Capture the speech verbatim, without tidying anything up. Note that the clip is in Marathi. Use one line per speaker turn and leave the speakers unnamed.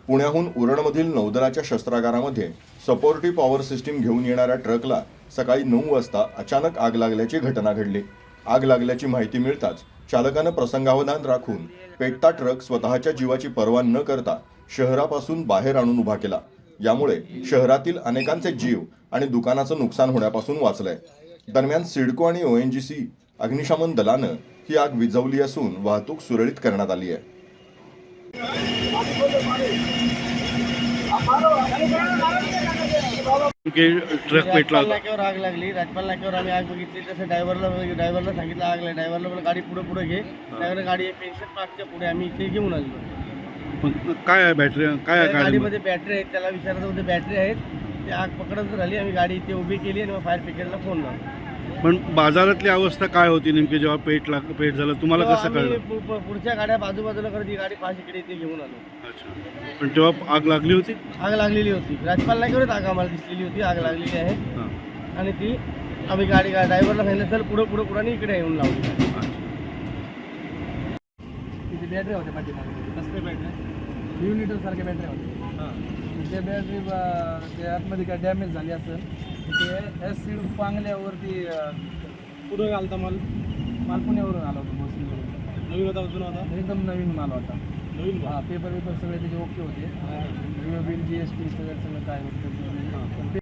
पुण्याहून उरणमधील नौदलाच्या शस्त्रागारामध्ये सपोर्टिव्ह पॉवर सिस्टीम घेऊन येणाऱ्या ट्रकला सकाळी नऊ वाजता अचानक आग लागल्याची घटना घडली। आग लागल्याची माहिती मिळताच चालकानं प्रसंगावधान राखून पेटता ट्रक स्वतःच्या जीवाची पर्वा न करता शहरापासून बाहेर आणून उभा केला। यामुळे शहरातील अनेकांचे जीव आणि दुकानाचं नुकसान होण्यापासून वाचलंय। दरम्यान सिडको आणि ओएनजीसी अग्निशमन दलानं ही आग विझवली असून वाहतूक सुरळीत करण्यात आली आहे।
ट्रक पेटला
नाक्यावर आग लागली। राजपाल नाक्यावर आम्ही आग बघितली। तसं ड्रायव्हरला ड्रायव्हरला सांगितलं आग लागली। ड्रायव्हरला बोलला गाडी पुढे पुढे घे। ड्रायव्हर गाडी पेन्शन पार्कच्या पुढे आम्ही इथे घेऊन आलो।
काय आहे बॅटरी काय आहे
गाडीमध्ये बॅटरी आहेत, त्याला विचारायचं होतं बॅटरी आहेत। ते आग पकडत झाली, आम्ही गाडी इथे उभी केली आणि मग फायर ब्रिगेडला फोन लावला।
पण बाजारातली अवस्था काय होती नेमकी जेव्हा पेट लाग पेट झालं तुम्हाला कसं कळलं?
पुढच्या गाड्या बाजूबाजूला करत ही गाडी पाच इकडे इथे घेऊन आलो।
अच्छा, पण तेव्हा आग लागली होती?
आग लागलेली होती। राजपाल नाक्यावरच आग आम्हाला दिसलेली होती, आग लागलेली आहे। आणि ती आम्ही गाडी ड्रायव्हरला सांगितलं चल पुढे पुढे पुढे इकडे येऊन लावली। तिथे बॅटरी होत्या पाठीमागे, कसले बॅटरी युनिटर सारख्या बॅटरी होत्या। त्या बॅटरी त्या आतमध्ये काय डॅमेज झाली असेल ते एस सी पांगल्यावरती पुढे घालता माल माल पुण्यावरून आला होता, मोसमीवरून। नवीन होता, जुना होता? एकदम नवीन माल होता, नवीन। हां, पेपर पेपर सगळे त्याचे ओके होते। बिल जी एस टी सगळं सगळं काय होतं